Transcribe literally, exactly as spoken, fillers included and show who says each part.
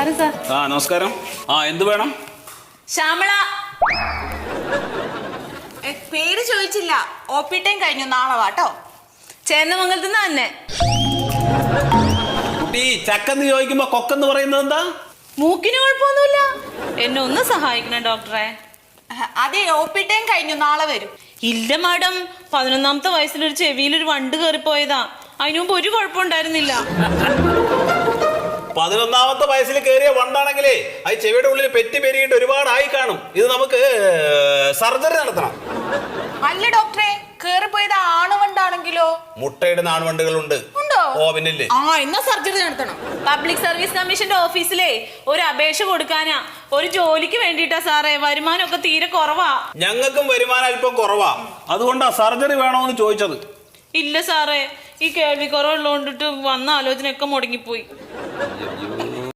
Speaker 1: നമസ്കാരം സാർ.
Speaker 2: ആ നമസ്കാരം. ആ എന്ത് വേണം?
Speaker 1: ശ്യാമള.
Speaker 3: പേര് ചോദിച്ചില്ല. ഒ പി ടൈം കഴിഞ്ഞു, നാളെ വാട്ടോ.
Speaker 1: ചേന്നമംഗലത്ത് നിന്ന് തന്നെ.
Speaker 2: കുട്ടി ചക്കെന്ന് ചോദിക്കുമ്പോ കൊക്കെന്ന് പറയുന്നത് എന്താ?
Speaker 1: മൂക്കിന് കുഴപ്പമൊന്നുമില്ല. എന്നെ ഒന്ന് സഹായിക്കണം ഡോക്ടറെ.
Speaker 3: അതെ, ഒ പി ടൈം കഴിഞ്ഞു, നാളെ വരും.
Speaker 1: ഇല്ല മാഡം, പതിനൊന്നാമത്തെ വയസ്സിലൊരു ചെവിയിലൊരു വണ്ട് കയറിപ്പോയതാ. അതിനു മുമ്പ് ഒരു കുഴപ്പമുണ്ടായിരുന്നില്ല.
Speaker 2: പതിനൊന്നാമത്തെ വയസ്സിൽ കയറിയ വണ്ടാണെങ്കിലേ അത് ചെവിയുടെ ഉള്ളിൽ പെറ്റി പെരുകിട്ട് ഒരുപാട് ആയി കാണും. ഇത് നമുക്ക് സർജറി നടത്തണം.
Speaker 3: അല്ല ഡോക്ടറെ, കേറിപ്പോയത് ആണുവണ്ടാണെങ്കിലോ?
Speaker 2: മുട്ടയിടുന്ന ആൺവണ്ടുകളുണ്ട്.
Speaker 3: ഉണ്ടോ?
Speaker 2: ഓ പിന്നില്ലേ.
Speaker 3: ആ, എന്നാ സർജറി നടത്തണം.
Speaker 1: പബ്ലിക് സർവീസ് കമ്മീഷന്റെ ഓഫീസിലേ ഒരു അപേക്ഷ കൊടുക്കാനാ. ഒരു ജോലിക്ക് വേണ്ടിട്ടാ സാറേ. വരുമാനമൊക്കെ തീരെ കുറവാ.
Speaker 2: ഞങ്ങൾക്കും വരുമാനം അല്പം കുറവാ. അതുകൊണ്ടാ സർജറി വേണോന്ന് ചോദിച്ചത്.
Speaker 1: ഇല്ല സാറേ, ഈ കേൾവി കുറവുള്ളതുകൊണ്ടിട്ട് വന്ന ആലോചനയൊക്കെ മുടങ്ങിപ്പോയി.